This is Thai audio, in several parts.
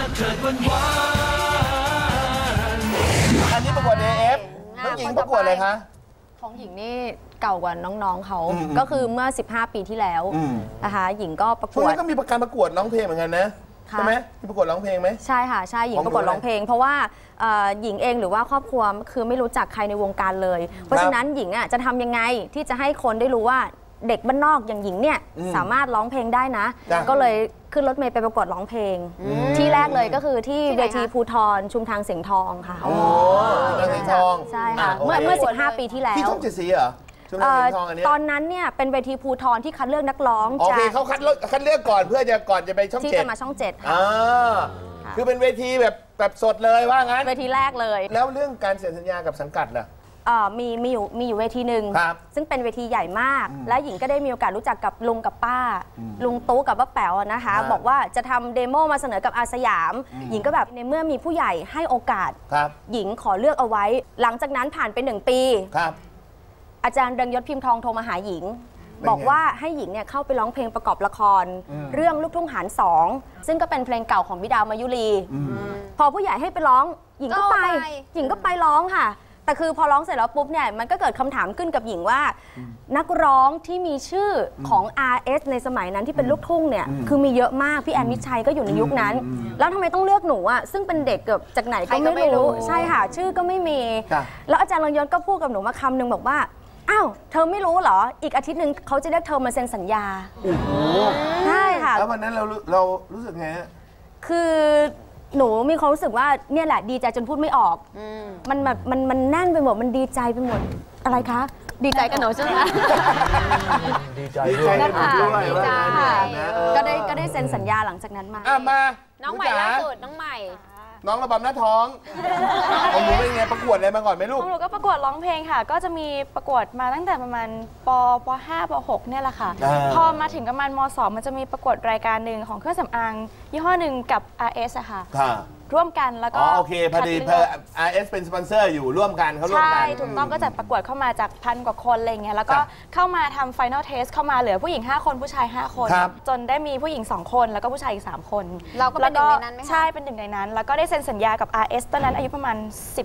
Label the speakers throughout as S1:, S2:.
S1: อันนี้ประกวด AF น้องหญิงประกวดอะไรคะ
S2: ของหญิงนี่เก่ากว่าน้องๆเขาก็คือเมื่อ15 ปีที่แล้วนะคะหญิงก็ประกวด
S1: ช่วงนี้ก็มีการประกวดร้องเพลงเหมือนกันนะใช่ไหมมีประกวดร้องเพลงไหม
S2: ใช่ค่ะใช่หญิงประกวดร้องเพลงเพราะว่าหญิงเองหรือว่าครอบครัวคือไม่รู้จักใครในวงการเลยเพราะฉะนั้นหญิงอ่ะจะทำยังไงที่จะให้คนได้รู้ว่าเด็กบ้านนอกอย่างหญิงเนี่ยสามารถร้องเพลงได้นะก็เลยขึ้นรถเมล์ไปประกวดร้องเพลงที่แรกเลยก็คือที่เวทีภูธรชุมทางเสียงทองค่ะ
S1: โอ้เสียงทอง
S2: ใช่ค่ะเมื่อ15 ปีที่แล้ว
S1: ที่ช่อง7 สีเหรอ
S2: ตอนนั้นเนี่ยเป็นเวทีภูธรที่คัดเลือกนักร้อง
S1: โอเคเขาคัดเลือกก่อนเพื่อก่อนจะไปช่อง7
S2: ที่จะมาช่อง7ค่ะ
S1: คือเป็นเวทีแบบสดเลยว่างั้น
S2: เวทีแรกเลย
S1: แล้วเรื่องการเซ็นสัญญากับสังกัดล่ะ
S2: มีอยู่เวทีหนึ่งซึ่งเป็นเวทีใหญ่มากและหญิงก็ได้มีโอกาสรู้จักกับลุงกับป้าลุงตู้กับป้าแป๋วนะคะบอกว่าจะทำเดโมมาเสนอกับอาสยามหญิงก็แบบในเมื่อมีผู้ใหญ่ให้โอกาสหญิงขอเลือกเอาไว้หลังจากนั้นผ่านไป1 ปีอาจารย์เรืองยศพิมพ์ทองโทรมาหาหญิงบอกว่าให้หญิงเนี่ยเข้าไปร้องเพลงประกอบละครเรื่องลูกทุ่งหาร2ซึ่งก็เป็นเพลงเก่าของพี่ดาวมายุรีพอผู้ใหญ่ให้ไปร้องหญิงก็ไปร้องค่ะแต่คือพอร้องเสร็จแล้วปุ๊บเนี่ยมันก็เกิดคำถามขึ้นกับหญิงว่านักร้องที่มีชื่อของ RS ในสมัยนั้นที่เป็นลูกทุ่งเนี่ยคือมีเยอะมากพี่แอนมิชัยก็อยู่ในยุคนั้นแล้วทำไมต้องเลือกหนูอ่ะซึ่งเป็นเด็กเกือบจากไหนก็ไม่รู้ใช่ค่ะชื่อก็ไม่มีแล้วอาจารย์เรืองยศก็พูดกับหนูมาคำหนึ่งบอกว่าอ้าวเธอไม่รู้เหรออีกอาทิตย์หนึ่งเขาจะเรียกเธอมาเซ็นสัญญาใช่ค่ะ
S1: แล้ววันนั้นเรารู้สึกไง
S2: คือหนูมีความรู้สึกว่าเนี่ยแหละดีใจจนพูดไม่ออกมันแบบมันแน่นไปหมดมันดีใจไปหมดอะไรคะดีใจกับหนูใช่ไหม
S1: ดีใจด้วย
S2: ก็ได้เซ็นสัญญาหลังจากนั้นมา
S3: น้องใหม่ล่าสุดน้องใหม่
S1: น้องระบำหน้าท้องของหนูเป็นไงประกวดอะไรมาก่อนไหมลูก
S4: ของหนูก็ประกวดร้องเพลงค่ะก็จะมีประกวดมาตั้งแต่ประมาณป .5 ป .6 เนี่ยแหละค่ะพอมาถึงประมาณม .2 มันจะมีประกวดรายการหนึ่งของเครื่องสำอางยี่ห้อหนึ่งกับ RS อะค่ะร่วมกันแล้วก็
S1: โอเคพอดีRS เป็นสปอนเซอร์อยู่ร่วมกันเขาร่วมกัน
S4: ใช่ถูกต้องก็จัดประกวดเข้ามาจาก1,000 กว่าคนอะไรเงี้ยแล้วก็เข้ามาทำ Final Test เข้ามาเหลือผู้หญิง5 คนผู้ชาย5 คนจนได้มีผู้หญิง2 คนแล้วก็ผู้ชายอีก3 คน
S3: เราก็เป็นหนึ่งในนั้นไหมคะ
S4: ใช่เป็นหนึ่งในนั้นแล้วก็ได้เซ็นสัญญากับ RS ตอนนั้นอายุประมาณ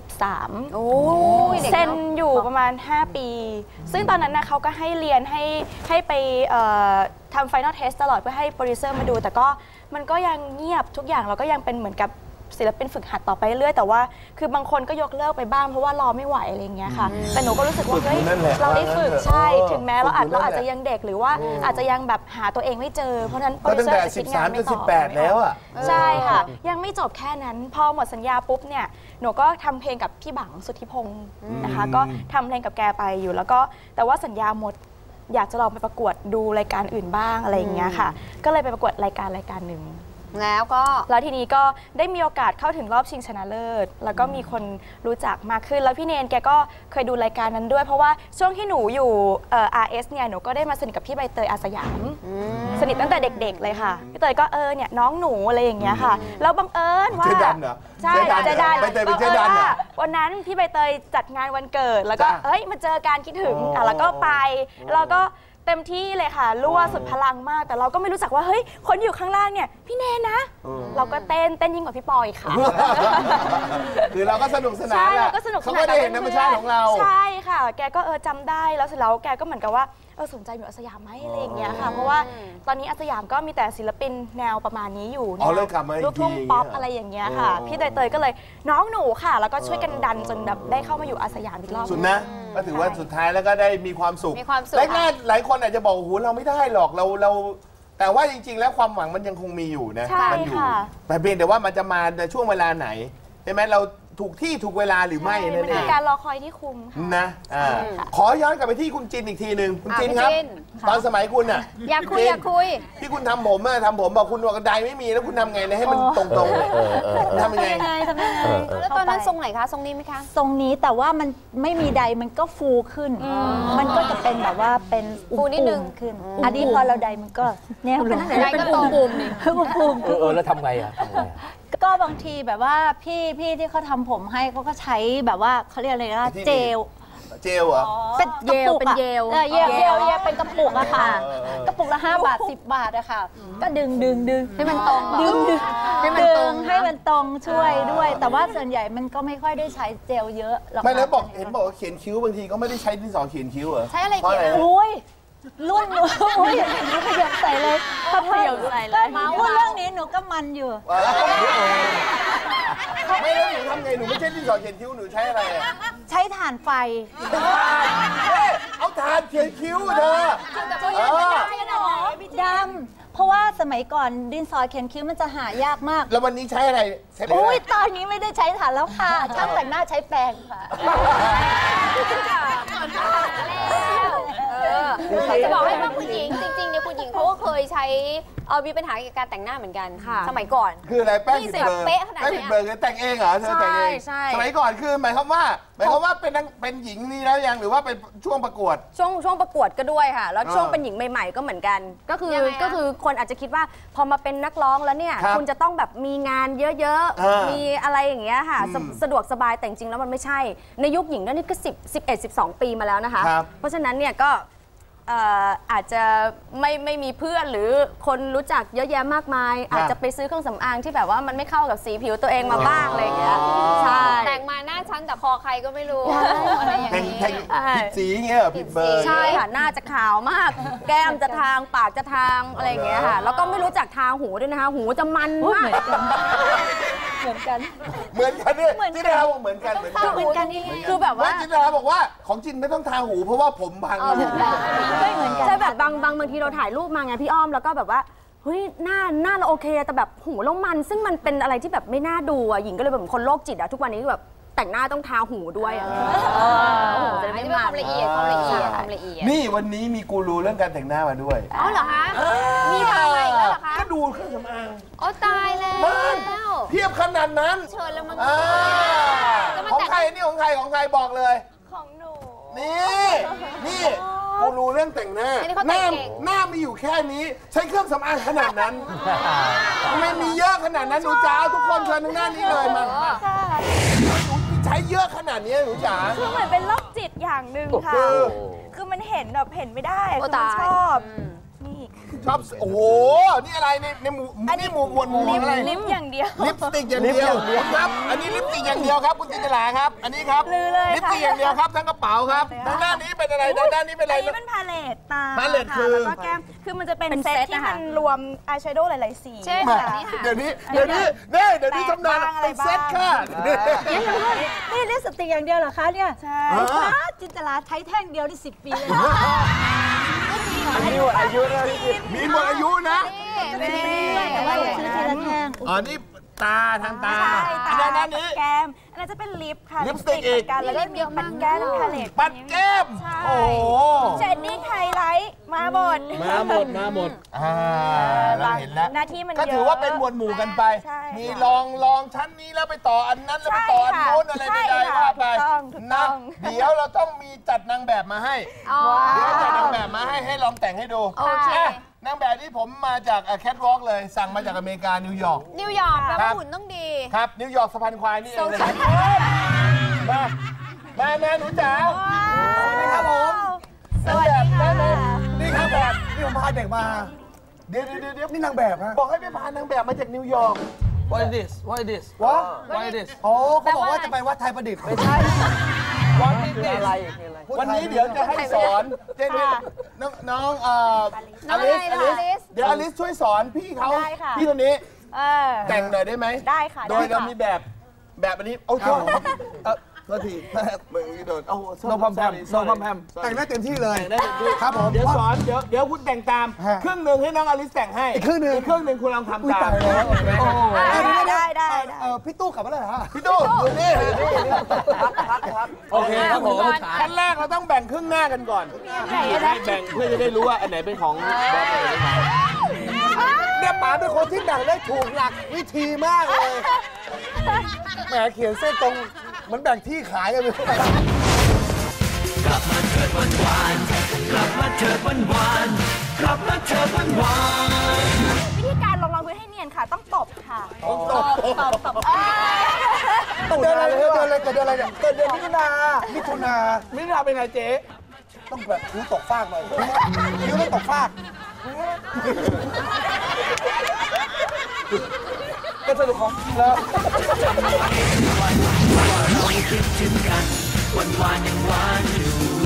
S4: 13
S3: โอ้
S4: เซ็นอยู่ประมาณ5 ปีซึ่งตอนนั้นนะเขาก็ให้เรียนให้ไปทำ Final Test ตลอดเพื่อให้โปรดิวเซอร์มาดูแต่ก็มันก็ยังเงียบทุกอย่างเราก็ยังเป็นเหมือนกับศิลปินฝึกหัดต่อไปเรื่อยแต่ว่าคือบางคนก็ยกเลิกไปบ้างเพราะว่ารอไม่ไหวอะไรอย่างเงี้ยค่ะแต่หนูก็รู้สึกว่าเฮ้ยเราได้ฝึกใช่ถึงแม้เราอาจจะยังเด็กหรือว่าอาจจะยังแบบหาตัวเองไม่เจอเพราะฉะนั้นโปรดิวเซอร์จะคิดงานไม่ต่อ
S1: 18แล้วอ่ะ
S4: ใช่ค่ะยังไม่จบแค่นั้นพอหมดสัญญาปุ๊บเนี่ยหนูก็ทำเพลงกับพี่บังสุทธิพงศ์นะคะก็ทำเพลงกับแกไปอยู่แล้วก็แต่ว่าสัญญาหมดอยากจะลองไปประกวดดูรายการอื่นบ้างอะไรอย่างเงี้ยค่ะก็เลยไปประกวดรายการหนึ่งแล้วทีนี้ก็ได้มีโอกาสเข้าถึงรอบชิงชนะเลิศแล้วก็มีคนรู้จักมากขึ้นแล้วพี่เนนแกก็เคยดูรายการนั้นด้วยเพราะว่าช่วงที่หนูอยู่RS เนี่ยหนูก็ได้มาสนิทกับพี่ใบเตยอาสยามสนิทตั้งแต่เด็กๆเลยค่ะพี่เตยก็เนี่ยน้องหนูอะไรอย่างเงี้ยค่ะแล้วบังเอิญว่า
S1: เจ๊ดันเหรอ
S4: ใช่เจ๊ดันวันนั้นพี่ใบเตยจัดงานวันเกิดแล้วก็มาเจอการคิดถึงแล้วก็ไปแล้วก็เต็มที่เลยค่ะรั่วสุดพลังมากแต่เราก็ไม่รู้จักว่าเฮ้ยคนอยู่ข้างล่างเนี่ยพี่เนนะเราก็เต้นยิ่งกว่าพี่ปอยค่ะ
S1: คือเราก็สนุกสนานแหละเขาก็ได้เห็นธรรมชาติของเรา
S4: ใช่ค่ะแกก็จำได้แล้วเสร็จแล้วแกก็เหมือนกับว่าสนใจอยู่อาสยามไหมอะไรอย่างเงี้ยค่ะเพราะว่าตอนนี้อาสยามก็มีแต่ศิลปินแนวประมาณนี้อยู่ลูกทุ่งป๊อปอะไรอย่างเงี้ยค่ะพี่เตยก็เลยน้องหนูค่ะแล้วก็ช่วยกันดันจนแบบได้เข้ามาอยู่อาสยามอีกรอบ
S1: สุดนะก็ถือว่าสุดท้ายแล้วก็ได้มีความสุขแรกๆหลายคนอาจจะบอกโอ้โหเราไม่ได้หรอกเราแต่ว่าจริงๆแล้วความหวังมันยังคงมีอยู่นะมันอยู่แต่เพียงแต่ว่ามันจะมาในช่วงเวลาไหนใช่ไหมเราถูกที่ถูกเวลาหรือไม่นั่นเอง
S4: มันคือการรอคอยที่คุ้ม
S1: นะขอย้อนกลับไปที่คุณจินอีกทีหนึ่งคุณจินครับตอนสมัยคุณอ่ะ
S3: อยากคุย
S1: ที่คุณทำผมบอกคุณบอกกระไดไม่มีแล้วคุณทำไงให้มันตรงๆทำยังไง
S3: แล้วตอนนั้นทรงไหนคะทรงนี้ไหมคะ
S5: ทรงนี้แต่ว่ามันไม่มีใดมันก็ฟูขึ้นมันก็จะเป็นแบบว่าเป็น
S3: ฟูนิดนึง
S5: ขึ้นอันนี้พอเราใดมันก็เนี่ย
S3: ใดก็ตรงปุ่มนี่
S5: ปุ่ม
S6: แล้วทำไงอ่ะ
S5: ก็บางทีแบบว่าพี่ที่เขาทำผมให้เขาก็ใช้แบบว่าเขาเรียกอะไรนะเจล
S1: เจลเหรอ
S5: เป็นกระปุกอะเยลเป็นกระปุกอะค่ะกระปุกละ5 บาท10 บาทอะค่ะก็ดึง
S2: ให้มันตรง
S5: ให้มันตรงช่วยด้วย แต่ว่าส่วนใหญ่มันก็ไม่ค่อยได้ใช้เจลเยอะหรอก
S1: ไม่แล้วเห็นบอกว่าเขียนคิ้วบางทีก็ไม่ได้ใช้ดินสอเขียนคิ้วเหรอ
S3: ใช้อะไรเขียน
S5: รุ่นหนูอย่างนี้ขยับใส่เลย
S2: ขยับใส่เลย
S5: พูดเรื่องนี้หนูก็มันอยู่
S1: ไม่แล้วหนูทำไงหนูไม่ใช่ดินสอเขียนคิ้วหนูใช้อะไร
S5: ใช้ถ่านไฟ
S1: เอาถ่านเขียนคิ้วเธอ
S5: ดำเพราะว่าสมัยก่อนดินสอเขียนคิ้วมันจะหายากมาก
S1: แล้ววันนี้ใช้อะไร
S5: อุ้ยตอนนี้ไม่ได้ใช้ถ่านแล้วค่ะช่างแต่งหน้าใช้แปรงค่ะ
S3: จะบอกให้ว่าคุณหญิงจริงๆเนี่ยคุณหญิงเขาก็เคยใช้มีปัญหาเกี่ยวกับการแต่งหน้าเหมือนกันสมัยก่อน
S1: คืออะไรแป้งผิดเบอร์
S3: เป๊ะขนาดนี้
S1: แป้งผิดเบอร์แต่งเองเหรอเธอแต่งเองสมัยก่อนคือหมายความว่าเป็นหญิงนี่แล้วยังหรือว่าเป็นช่วงประกวด
S2: ช่วงประกวดก็ด้วยค่ะแล้วช่วงเป็นหญิงใหม่ๆก็เหมือนกันก็คือคนอาจจะคิดว่าพอมาเป็นนักร้องแล้วเนี่ยคุณจะต้องแบบมีงานเยอะๆมีอะไรอย่างเงี้ยค่ะสะดวกสบายแต่จริงแล้วมันไม่ใช่ในยุคหญิงนี่ก็11-12 ปีมาแล้วนะคะเพราะฉะนั้นเนี่ยก็อาจจะไม่มีเพื่อนหรือคนรู้จักเยอะแยะมากมายอาจจะไปซื้อเครื่องสำอางที่แบบว่ามันไม่เข้ากับสีผิวตัวเองมาบ้างอะไรอย่างเงี้ยใช่
S3: แต่งมาหน้าชั้นแต่คอใครก็ไม่รู้อะไรอย่าง
S1: นี้ผิดสีเงี้ยผิดเบอร์
S2: ใช่ค่ะหน้าจะขาวมากแก้มจะทางปากจะทางอะไรอย่างเงี้ยค่ะแล้วก็ไม่รู้จักทาหูด้วยนะคะหูจะมันมาก
S5: เหมือนกัน
S1: เนี่ยจินดาบอกเหมือนกัน
S2: คือแบบว่า
S1: จินดาบอกว่าของจินไม่ต้องทาหูเพราะว่าผมบาง
S5: ไม่เหมือนกัน
S2: ใช่แบบบางทีเราถ่ายรูปมาไงพี่อ้อมแล้วก็แบบว่าเฮ้ยหน้าเราโอเคแต่แบบหูเรามันซึ่งมันเป็นอะไรที่แบบไม่น่าดูอ่ะหญิงก็เลยแบบคนโรคจิตอ่ะทุกวันนี้แบบแต่งหน้าต้องทาหูด้วยอ่ะ
S3: จะได้ความละเอียด
S1: นี่วันนี้มีกูรูเรื่องการแต่งหน้ามาด้วย
S3: อ๋อเหรอคะมีทำอะไรแล้วเหรอคะ
S1: ก็ดูเครื่องสำอาง
S3: โอ้ตายแล้ว
S1: เทียบขนาดนั้น
S3: เชิญแล้วมัน
S1: ของใครนี่ของใครบอกเลย
S5: ของหนู
S1: นี่กูรู้เรื่องแต่งหน้าหน้ามีอยู่แค่นี้ใช้เครื่องสำอางขนาดนั้นไม่มีเยอะขนาดนั้นหนูจ๋าทุกคนเชิญทางหน้านี้เลยมาใช้เยอะขนาดนี้หนูจ๋า
S4: คือเหมือนเป็นโรคจิตอย่างหนึ่งค่ะคือมันเห็นแบบเห็นไม่ได้คือมันชอบ
S1: โอ้โหนี่อะไรในหมวดหมู่อะไร
S4: ลิปอย่างเดียว
S1: ลิปสติกอย่างเดียวครับอันนี้ลิปสติกอย่างเดียวครับคุณจินตลาครับอันนี้ครับลิปสติกอย่างเดียวครับทั้งกระเป๋าครับด้านนี้เป็นอะไรด้านนี้เป็นอะไร
S4: อันนี้เป็นพาเลตตา
S1: พาเลตคือ
S4: แล้วก็แก้มคือมันจะเป็นเซตที่มันรวมอายแชโดว์หลายๆสี
S3: เช่นแบบนี้
S1: เดี๋ยวนี้ทำนานเป็นเซตค่ะ
S5: นี่ลิปสติกอย่างเดียวเหรอคะเนี่ยใช่จินตลาใช้แท่งเดียวได้10 ปีเลย
S1: มีหมดอายุนะมีหมดอายุนะ
S5: แต่ว่าซื้อทีละแท่ง
S1: อ๋อนี่ตาทางตาอันนั้นนี้
S4: แก้มอันนั้นจะเป็นลิปค่ะ
S1: ลิปสติกอีก
S4: แล้วก็มีปัดแก้มพาเลต
S1: ปัดแก้มโอ้
S4: เชดดิ้งไฮไลท์มาหมด
S1: เราเห็นแล้ว
S4: หน้าที่มัน
S1: ก็ถือว่าเป็นหมวดหมู่กันไปมีลองชั้นนี้แล้วไปต่ออันนั้นแล้วไปต่ออันโน้นอะไรใดๆว่าไปนะเดี๋ยวเราต้องมีจัดนางแบบมาให้เดี๋ยวจัดนางแบบมาให้ลองแต่งให้ดูนางแบบที่ผมมาจากแคทวอล์กเลยสั่งมาจากอเมริกานิวยอร์ก
S3: แปลว่าหุ่นต้องดี
S1: ครับนิวยอร์กสะพานควายนี่เองเลยมาหนูจ๋าสวัสดีครับผม
S5: สวัสดีค่ะ
S1: นี่ครับแบบนี่ผมพาเด็กมาเดี๋ยวนี่นางแบบฮะบอกให้ไปพานางแบบมาจากนิวยอร์ก
S6: What is this What is this
S1: What
S6: What is this
S1: อ๋อเขาบอกว่าจะไปวัดไทยประดิษฐ์ไม่ใช่
S6: What is this อะไร
S1: วันนี้เดี๋ยวจะให้สอนเจนน้องอลิสเดี๋ยวอลิสช่วยสอนพี่เขาพี่คนนี้แต่งหน่อยได้ไหม
S4: ได้ค่ะ
S1: โดยเรามีแบบอันนี้โอ้โหโทษทีมึงโดน
S6: โนพัมแพม
S1: แต่งได้เต็มที่เลยครับผมเดี๋ยวสอนเดี๋ยวคุณแต่งตามครึ่งหนึ่งให้น้องอลิสแต่งให้อีกครึ่งหนึ่งคุณลองทำตาม
S4: ได้
S1: พี่ตู้กลับมาแล้วเหรอพี่ตู้อยู่นี่
S6: โอเคครับผม
S1: ขั้นแรกเราต้องแบ่งครึ่งหน้ากันก่อนแบ่งเพื่อจะได้รู้ว่าอันไหนเป็นของแบบไหนเนี่ยป๋าเป็นคนที่แบ่งได้ถูกหลักวิธีมากเลยแหมเขียนเส้นตรงเหมือนแบ่งที่ขายกันเลย
S7: กลับมาเถิดวันวานกลับมาเถิดวันวานกลับมาเถิดวันวาน
S4: วิธีการลงรองพื้นให้เนียนค่ะต้องตบค่ะ
S1: ตบ
S6: ตุนอะไร
S8: เกิดอะไรเนี่ยเกิดเดือนมิถุนา
S6: มิถุนาเป็นไงเจ๊
S8: ต้องแบบคิ้วตกฟากหน่อยคิ้วต้องตกฟาก
S6: ก็สนุกของแล้ว
S7: เราคิดถึงกันวันยังหวานอยู่